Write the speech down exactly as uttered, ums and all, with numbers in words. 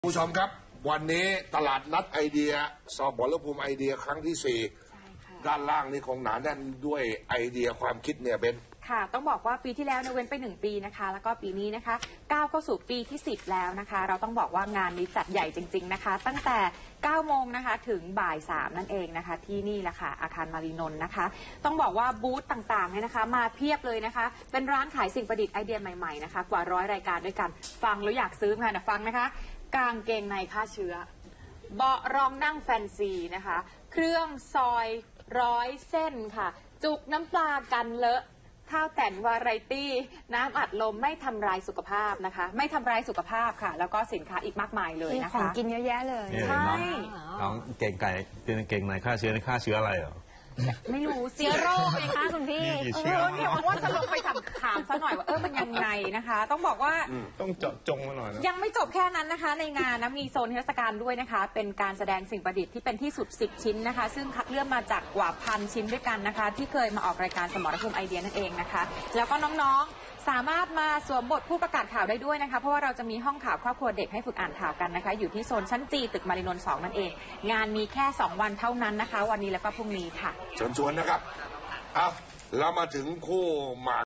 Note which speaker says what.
Speaker 1: ผู้ชมครับวันนี้ตลาดนัดไอเดียสอบวรภูมิไอเดียครั้งที่สี่ด้านล่างนี่คงหนาแน่นด้วยไอเดียความคิดเนี่ยเบน
Speaker 2: ค่ะต้องบอกว่าปีที่แล้วเนี่ยเว้นไปหนึ่งปีนะคะแล้วก็ปีนี้นะคะก้าวเข้าสู่ปีที่สิบแล้วนะคะเราต้องบอกว่างานนี้จัดใหญ่จริงๆนะคะตั้งแต่เก้าโมงนะคะถึงบ่ายสามนั่นเองนะคะที่นี่แหละค่ะอาคารมารีนนท์นะคะต้องบอกว่าบูธต่างๆเนี่ยนะคะมาเพียบเลยนะคะเป็นร้านขายสิ่งประดิษฐ์ไอเดียใหม่ๆนะคะกว่าร้อยรายการด้วยกันฟังแล้วอยากซื้อค่ะนะฟังนะคะกางเกงในฆ่าเชื้อเบาะรองนั่งแฟนซีนะคะเครื่องซอยร้อยเส้นค่ะจุกน้ำปลากันเลอะข้าวแต่นวาไรตี้น้ำอัดลมไม่ทำลายสุขภาพนะคะไม่ทำลายสุขภาพค่ะแล้วก็สินค้าอีกมากมายเลยนะคะ
Speaker 3: ของกินเยอะแยะเลย
Speaker 2: ใช่
Speaker 4: น้องเก่งไก่เป็นเก่งในฆ่าเชื้อในฆ่าเชื้ออะไรเหรอ
Speaker 2: ไม่รู้
Speaker 3: เชื้อโรคเลยค่ะคุณพี่
Speaker 2: เออเนี่ยว่าจะลงไปถามถามซะหน่อยว่าเออมันยังไงนะคะต้องบอกว่า
Speaker 4: ต้องเจาะจงมาหน่อยนะ
Speaker 2: ยังไม่จบแค่นั้นนะคะในงานนะมีโซนเทศกาลด้วยนะคะเป็นการแสดงสิ่งประดิษฐ์ที่เป็นที่สุดสิบชิ้นนะคะซึ่งคัดเลือกมาจากกว่าพันชิ้นด้วยกันนะคะที่เคยมาออกรายการสมรภูมิไอเดียนั่นเองนะคะแล้วก็น้องๆสามารถมาสวมบทผู้ประกาศข่าวได้ด้วยนะคะเพราะว่าเราจะมีห้องข่าวครอบครัวเด็กให้ฝึกอ่านข่าวกันนะคะอยู่ที่โซนชั้นจีตึกมารีนนท์สองนั่นเองงานมีแค่สองวันเท่านั้นนะคะวันนี้แล้วก็พรุ่งนี้ค่ะ
Speaker 1: เชิญชวนนะครับเอาเรามาถึงคู่หมาก